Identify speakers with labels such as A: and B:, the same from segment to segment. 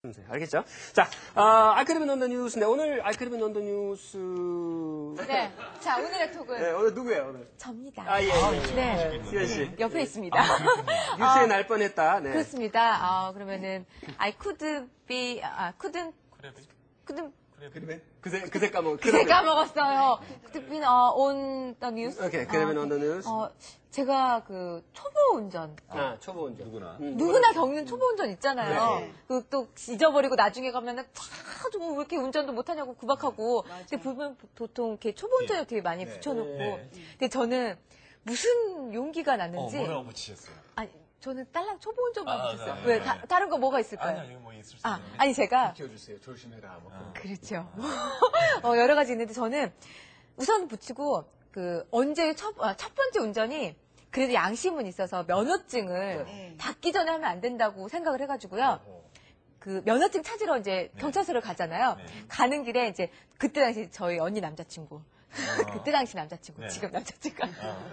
A: 알겠죠? 자, 알크리빈 언더 뉴스인데, 오늘 알크리빈 언더 뉴스.
B: 네. 자, 오늘의 톡은.
A: 네, 오늘 누구예요, 오늘?
B: 접니다.
A: 예.
B: 네.
A: 수현씨.
B: 옆에 있습니다.
A: 뉴스에 날 뻔했다. 네.
B: 그렇습니다. 그러면은, I could be,
A: 그새 까먹었어요.
B: 그새 까먹었어요. Could be on the news.
A: 오케이, 그러면 on the news.
B: 제가 초보 운전.
A: 초보 운전.
B: 누구나 겪는 초보 운전 있잖아요.
A: 네.
B: 또 잊어버리고 나중에 가면은 왜 이렇게 운전도 못하냐고 구박하고. 근데 보통 이렇게 초보 운전을 되게 많이 붙여놓고.
C: 네.
B: 근데 저는 무슨 용기가 났는지.
C: 뭐라고 붙이셨어요?
B: 아니, 저는 딸랑 초보 운전만 붙였어요.
C: 네.
B: 왜? 다른 거 뭐가 있을까요?
C: 아니요, 뭐 있을 수 있는데.
B: 아니, 제가.
D: 키워주세요. 조심해라.
B: 그렇죠. 여러 가지 있는데 저는 우선 붙이고, 언제 첫 번째 운전이 그래도 양심은 있어서 면허증을 받기 전에 하면 안 된다고 생각을 해가지고요. 면허증 찾으러 이제 경찰서를 가잖아요. 가는 길에 이제 그때 당시 저희 언니 남자친구. 그때 당시 남자친구. 지금 남자친구가.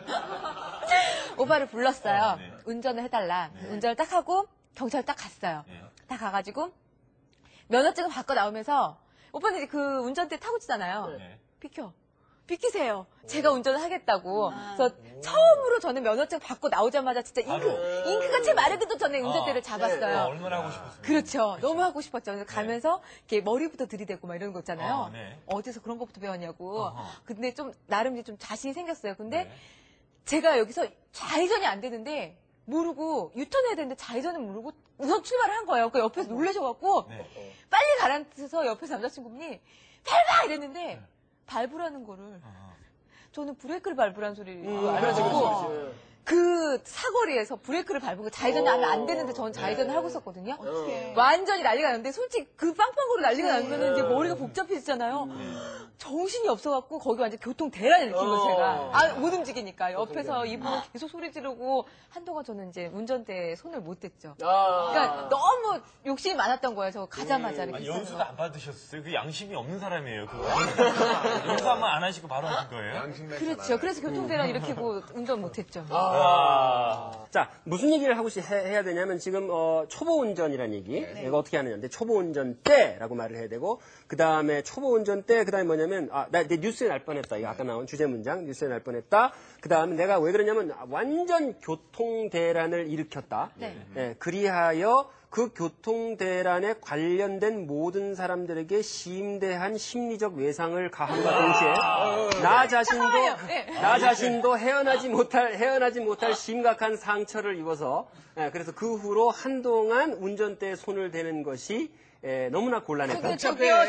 B: 오빠를 불렀어요. 운전을 해달라. 운전을 딱 하고 경찰 딱 갔어요. 딱 가가지고 면허증을 바꿔 나오면서 오빠는 이제 운전대 타고 치잖아요. 비키세요. 제가 운전을 하겠다고. 그래서 처음으로 저는 면허증 받고 나오자마자 진짜 잉크가 채 마르기도 전에 운전대를 잡았어요.
C: 얼마나 하고 싶었어요?
B: 그렇죠. 너무 하고 싶었죠. 그래서 가면서 이렇게 머리부터 들이대고 막 이런 거 있잖아요. 어디서 그런 것부터 배웠냐고. 근데 좀 나름 좀 자신이 생겼어요. 근데 제가 여기서 좌회전이 안 되는데 모르고 유턴해야 되는데 좌회전을 모르고 우선 출발을 한 거예요. 그 옆에서 놀라셔갖고 빨리 가라앉혀서 옆에서 남자친구분이 밟아! 이랬는데 밟으라는 거를 저는 브레이크를 밟으라는 소리를 알아듣고 그 사거리에서 브레이크를 밟고 좌회전을 하면 안 되는데 저는 좌회전을 하고 있었거든요. 완전히 난리가 났는데 솔직히 그 빵빵거리 난리가 나면 이제 머리가 복잡해지잖아요. 정신이 없어갖고 거기 완전 교통 대란을 느낀 거예요, 제가. 못 움직이니까. 옆에서 이분은 계속 소리 지르고 한동안 저는 이제 운전대에 손을 못 댔죠. 그러니까 너무 욕심이 많았던 거예요, 저 가자마자. 이렇게
C: 연수도 안 받으셨어요? 그 양심이 없는 사람이에요, 그거. 연수 한번 안 하시고 바로 하신 거예요?
B: 그렇죠. 그래서 교통 대란 일으키고 운전 못 했죠.
A: 자, 무슨 얘기를 하고 해야 되냐면 지금 초보 운전이라는 얘기. 내가 어떻게 하느냐인데 초보 운전 때라고 말을 해야 되고 그 다음에 초보 운전 때 그다음에 뭐냐면 나 뉴스에 날 뻔했다. 이거 아까 나온 주제 문장 뉴스에 날 뻔했다. 그 다음에 내가 왜 그러냐면 완전 교통 대란을 일으켰다. 그리하여 그 교통 대란에 관련된 모든 사람들에게 심대한 심리적 외상을 가함과 동시에 나 자신도 헤어나지 못할 심각한 상처를 입어서 그래서 그 후로 한동안 운전대에 손을 대는 것이 너무나 곤란했다.
B: 제가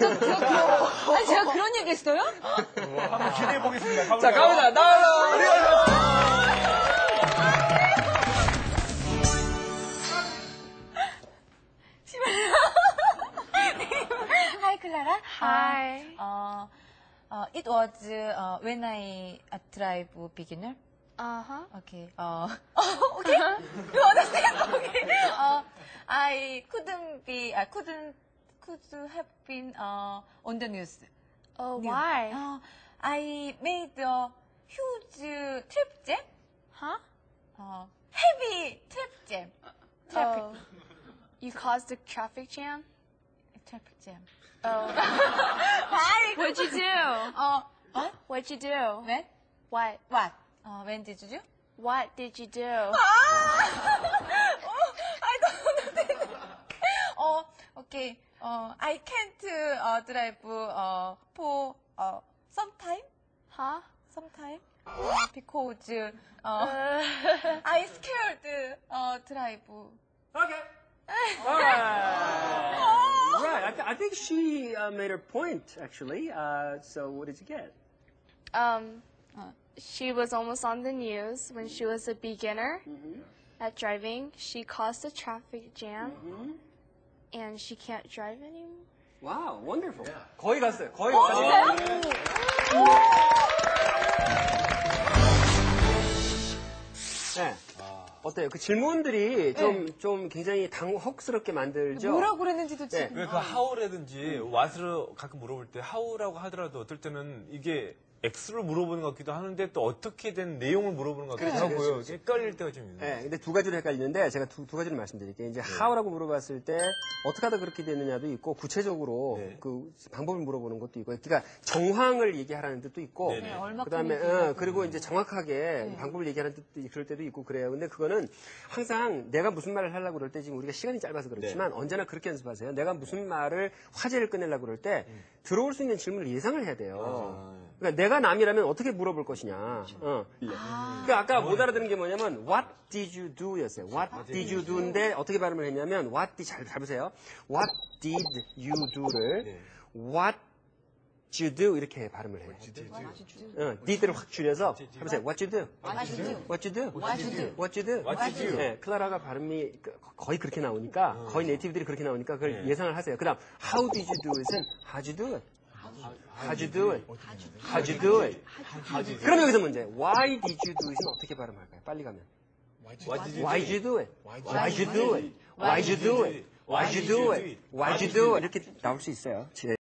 B: 그런 얘기 했어요?
C: 한번 기대해 보겠습니다.
A: 자, 갑니다. 나와요.
B: Hi, Clara.
E: Hi.
B: It was when I drive beginner.
E: Uh-huh.
B: Okay. Okay. You understand? Okay. I could have been on the news.
E: Oh, why?
B: I made a huge traffic jam.
E: Huh?
B: Heavy traffic jam.
E: Oh. You caused a traffic jam?
B: Traffic jam.
E: Oh.
B: Why?
E: What'd you do?
B: What?
E: What'd you do?
B: When?
E: What?
B: What? When did you do?
E: What did you do?
B: I don't know. Okay. I can't drive for some time.
E: Huh?
B: Sometime. Because I scared drive.
A: Okay. All right. Right. I think she made her point, actually. So what did you get?
E: She was almost on the news when she was a beginner at driving. She caused a traffic jam, and she can't drive anymore.
A: Wow, wonderful. 거의 갔어요. 거의 갔어요. 네. 어때요? 그 질문들이 좀 굉장히 당혹스럽게 만들죠?
B: 뭐라고 그랬는지도 지금.
C: 왜 그 how라든지 what을 가끔 물어볼 때 how라고 하더라도 어떨 때는 이게 X를 물어보는 것 같기도 하는데 또 어떻게 된 내용을 물어보는 것 같기도 하고요. 헷갈릴 때가 좀 있는 것
A: 네,
C: 같아요.
A: 근데 두 가지로 헷갈리는데 제가 두 가지를 말씀드릴게요. 이제 how라고 물어봤을 때 어떻게 하다 그렇게 됐느냐도 있고 구체적으로
C: 네.
A: 그 방법을 물어보는 것도 있고, 그러니까 정황을 얘기하라는 뜻도 있고,
C: 네네. 네,
B: 얼마큼
A: 그다음에
B: 얘기하고.
A: 그리고 이제 정확하게 방법을 얘기하는 뜻도 그럴 때도 있고 그래요. 근데 그거는 항상 내가 무슨 말을 하려고 그럴 때 지금 우리가 시간이 짧아서 그렇지만 언제나 그렇게 연습하세요. 내가 무슨 말을 화제를 꺼내려고 그럴 때 들어올 수 있는 질문을 예상을 해야 돼요. 그러니까 내가 남이라면 어떻게 물어볼 것이냐. 그러니까 아까 못 알아듣는 게 뭐냐면 What did you do? 였어요. What did you do인데 어떻게 발음을 했냐면 What did, 잘 보세요. What did you do를 What you do 이렇게 발음을 해요. did를 확 줄여서 해보세요. What you do?
B: What you do?
A: What you do?
B: What you do?
A: What you do?
C: What you do?
A: 네, 클라라가 발음이 거의 그렇게 나오니까 거의 네이티브들이 그렇게 나오니까 그걸 예상을 하세요. 그다음 How did you do it은 How'd you do it? How'd you do it? How'd you do it? 그럼 여기서 문제. Why did you do it은 어떻게 발음할까요? 빨리 가면. Why did you do it? Why did you do it? Why did you do it? Why did you do it? Why did you do it? 이렇게 나올 수 있어요.